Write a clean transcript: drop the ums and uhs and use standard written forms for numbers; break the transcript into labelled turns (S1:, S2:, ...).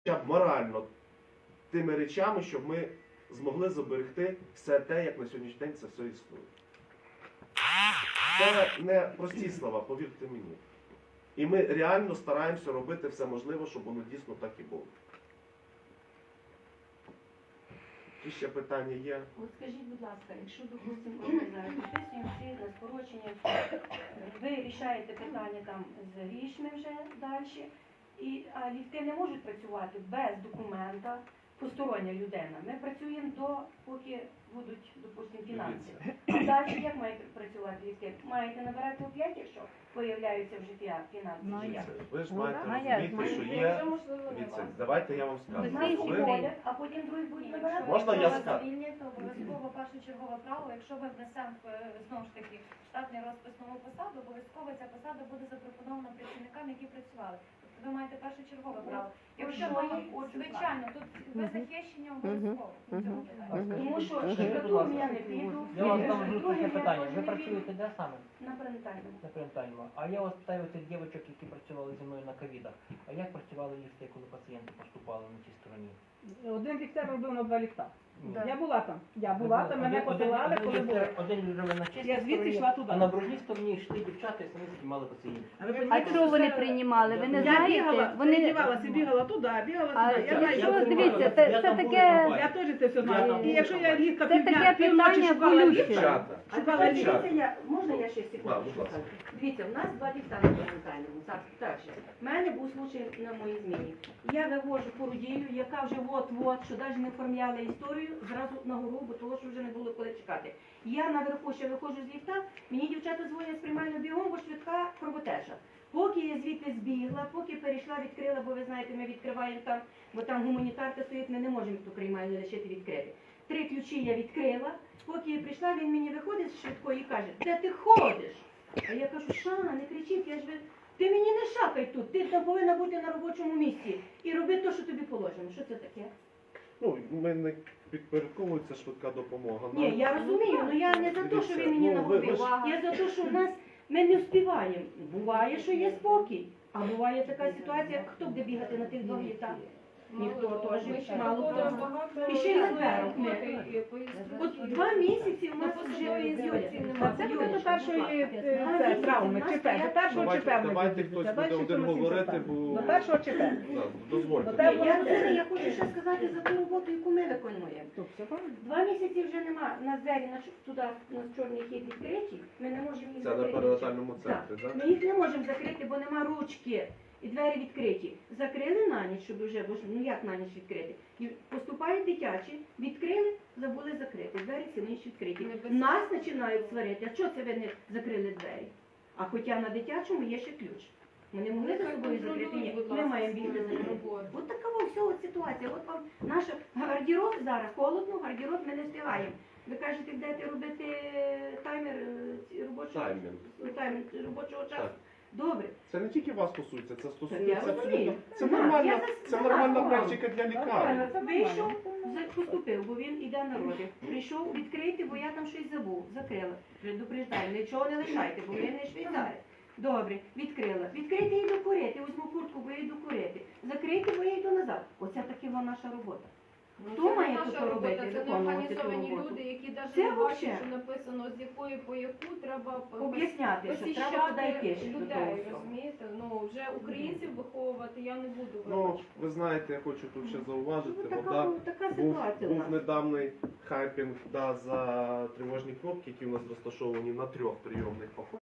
S1: хоча б морально тими речами, щоб ми змогли зберегти все те, як на сьогоднішній день це все існує. Це не прості слова, повірте мені. І ми реально стараємося робити все можливе, щоб воно дійсно так і було. Які ще питання є?
S2: От скажіть, будь ласка, якщо, допустимо, ми зараз підписуємо всі на скорочення, ви рішаєте питання там з грішми вже далі, а ліфти не можуть працювати без документа, постороння людина. Ми працюємо поки будуть, допустимо, фінанси. А далі як мають працювати ліфти? Маєте набирати опять, якщо появляються вже фінанси?
S1: Ви ж маєте розуміти, що є... Давайте я вам скажу.
S2: А потім другі будуть набирати?
S1: Можна я скажу?
S3: Звільнити обов'язково першочергове право, якщо ви внесемо, знову ж таки, штатний розпис нову посаду, обов'язково ця посада буде запропонована працівникам, які працювали. Тобто ви маєте першочергове право. Якщо ви, звичайно, тут ви захищені обов'язково.
S2: Тому що штукатуром я не піду.
S4: Я вам там таке питання. Ви працюєте де саме?
S2: На перинатальному.
S4: На перинатальному. А я вас питаю цих дівчаток, які працювали зі мною на ковідах. А як працювали ліфти, коли пацієнти поступали на тій стороні?
S5: Один ліфтер робив на 2 ліфта.
S4: Ні.
S5: Я була там, мене посилали, коли було.
S4: Один жили на чистій
S5: Я звідси
S4: стороні,
S5: йшла туди.
S4: а на брудній стороні йшли дівчата і самі знімали пацієнтів.
S6: А що вони приймали? Ви не
S5: Я
S6: знаєте?
S5: бігала,
S6: Вони...
S5: передівалася, бігала туди, бігала
S6: А
S5: сюди. Я знаю,
S6: якщо,
S5: що
S6: дивіться, це таке...
S5: я теж це все знаю. І якщо я літка
S6: Це таке питання болюче.
S5: шукала ліфта.
S2: Можна я ще секунду скажу? Дивіться, у нас 2 ліфта на перинатальному. Так, в мене був случай на моїй зміні. Я вивожу породію, яка вже от-от, що навіть не оформляла історію, зразу на гору, бо того, що вже не було коли чекати. Я наверху ще виходжу з ліфта, мені дівчата дзвонять з приймального бігом, бо швидка кровотеча. Поки я звідти збігла, поки перейшла, відкрила, бо ви знаєте, ми відкриваємо там, бо там гуманітарка стоїть, ми не можемо ту приймальну лишити відкрити. 3 ключі я відкрила, поки я прийшла, він мені виходить з швидкої і каже: де ти ходиш? А я кажу: Шана, не кричіть, ти мені не шакай тут, ти там повинна бути на робочому місці і роби те, що тобі положено. Що це таке?
S1: Ну, ми не підпорядковується швидка допомога.
S2: Ні, я розумію, але я не за те, що він мені нагодив. Я за те, що в нас ми не встигаємо. Буває, що є спокій, а буває така ситуація, хто буде бігати на тих 2 літах? Ніхто теж, мало хто. І ще й на дверок. От 2 місяці у нас вже виїздять.
S5: А це буде до першої травми, ЧП, до першого ЧП.
S1: Давайте хтось буде один говорити, бо...
S5: До першого ЧП.
S1: Дозвольте.
S2: Я хочу ще сказати за ту роботу, яку ми виконуємо. 2 місяці вже нема на двері, туди, на чорний хід відкриті, ми не можемо їх
S1: Це на
S2: закрити.
S1: перинатальному центрі, так?
S2: Ми їх не можемо закрити, бо нема ручки. І двері відкриті. Закрили на ніч, щоб вже, бо ж, ну як на ніч відкрити? І поступають дитячі, відкрили, забули закрити. Двері цілу ніч відкриті. Нас починають сварити. А чого це ви не закрили двері? А хоча на дитячому є ще ключ. Ми не могли за собою закрити. Ні, ми маємо бігти за ним. От така ось ситуація. От вам наш гардероб зараз холодно, гардероб ми не встигаємо. Ви кажете, будете робити таймер робочого часу. Добре.
S1: Це не тільки вас стосується, це
S2: Я
S1: стосується
S2: розумію.
S1: абсолютно. Це нормальна практика для лікарні.
S2: Вийшов, поступив, бо він іде на роди. Прийшов відкрити, бо я там щось забув. Закрила. Предупреждаю, нічого не лишайте, бо ви не швейцари. Добре, відкрила. Відкрийте і докурити. Візьму куртку, бо я йду курити. Закрийте, бо я йду назад. Оце таки вона наша робота. Хто має тут робити,
S3: це не
S2: виконувати ту
S3: організовані
S2: роботу?
S3: люди, які навіть
S2: Це
S3: не бачать,
S2: вообще.
S3: що написано, з якої по яку треба
S2: Об'ясняти, що треба туди йти.
S3: посіщати
S2: до того
S3: людей,
S2: всього.
S3: розумієте? Ну, вже українців виховувати я не буду,
S1: Ну,
S3: вибачте.
S1: ви знаєте, я хочу тут ще зауважити,
S2: Ну, така
S1: був
S2: ситуація у нас.
S1: недавній хайпінг за тривожні кнопки, які у нас розташовані на 3 прийомних покоях.